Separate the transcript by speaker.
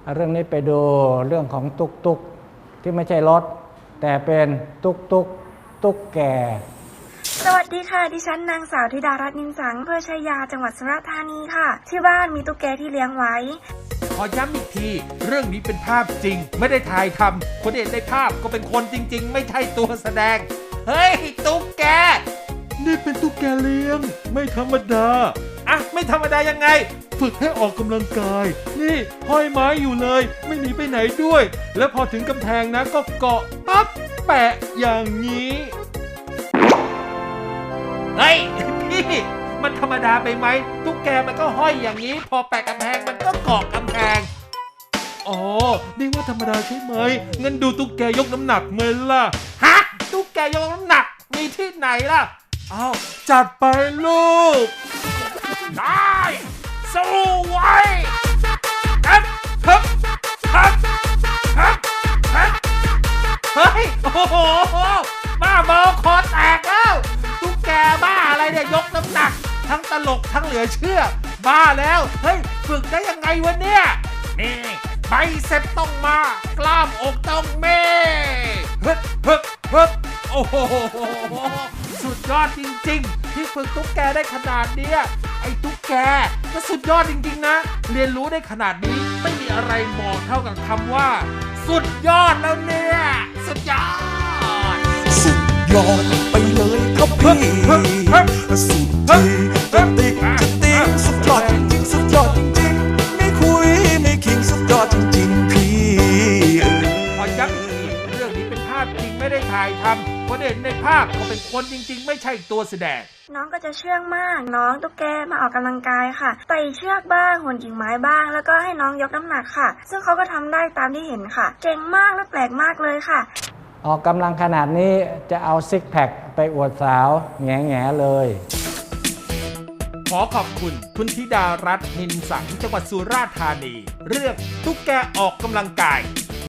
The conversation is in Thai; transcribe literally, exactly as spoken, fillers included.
Speaker 1: เรื่องนี้ไปดูเรื่องของตุ๊กตุ๊กที่ไม่ใช่รถแต่เป็นตุ๊กตุ๊กตุ๊กแก
Speaker 2: สวัสดีค่ะดิฉันนางสาวธิดารัตน์นินสังอำเภอชัยยาจังหวัดสุราษฎร์ธานีค่ะที่บ้านมีตุ๊กแกที่เลี้ยงไว้
Speaker 3: ขอย้ำอีกทีเรื่องนี้เป็นภาพจริงไม่ได้ถ่ายทำคนเห็นในภาพก็เป็นคนจริงๆไม่ใช่ตัวแสดงเฮ้ยตุ๊กแกนี่เป็นตุ๊กแกเลี้ยงไม่ธรรมดาอ่ะไม่ธรรมดายังไงฝึกให้ออกกำลังกายนี่ห้อยไม้อยู่เลยไม่หนีไปไหนด้วยแล้วพอถึงกำแพงนะก็เกาะปั๊บแปะอย่างนี้เฮ้ยพี่มันธรรมดาไปไหมตุ๊กแกมันก็ห้อยอย่างนี้พอแปะกำแพงมันก็เกาะกำแพงอ๋อนี่ว่าธรรมดาใช่ไหมงั้นดูตุ๊กแกยกน้ำหนักเมื่อล่ะฮะตุ๊กแกยกน้ำหนักมีที่ไหนล่ะอ้าวจัดไปลูกได้สู้ไว้ฮึบฮึบฮึบฮึบฮึบเฮ้ยโอ้โหบ้าบอคอแตกแล้วตุ๊กแกบ้าอะไรเนี่ยยกน้ำหนักทั้งตลกทั้งเหลือเชื่อบ้าแล้วเฮ้ยฝึกได้ยังไงวะเนี่ยนี่ไบเซ็ปต้องมากล้ามอกต้องเม่ฮึบฮึบฮึบโอ้โหสุดยอดจริงๆที่ฝึกตุ๊กแกได้ขนาดเนี้ยไอ้ตุ๊กแกก็สุดยอดจริงๆนะเรียนรู้ได้ขนาดนี้ไม่มีอะไรบอกเท่ากับคำว่าสุดยอดแล้วเนี่ยสุดยอด
Speaker 4: สุดยอดไปเลยครับพี่สุดที่จะติ๊กจะติ๊กสุดยอดจริงๆสุดยอดจริงๆไม่คุยไม่คิงสุดยอดจริงๆพี่
Speaker 3: ขอย้ำอีกทีเรื่องนี้เป็นภาพจริงไม่ได้ถ่ายทำคนเห็นในภาพก็เป็นคนจริงๆไม่ใช่ตัวแสดง
Speaker 2: น้องก็จะเชื่องมากน้องตุ๊กแกมาออกกำลังกายค่ะไต่เชือกบ้างโหนกิ่งไม้บ้างแล้วก็ให้น้องยกน้ำหนักค่ะซึ่งเขาก็ทำได้ตามที่เห็นค่ะเก่งมากและแปลกมากเลยค่ะ
Speaker 1: ออกกำลังขนาดนี้จะเอาซิกแพคไปอวดสาวแง่แง่เลย
Speaker 3: ขอขอบคุณคุณธิดารัตน์นินสังจังหวัดสุราษฎร์ธานีเรื่องตุ๊กแกออกกำลังกาย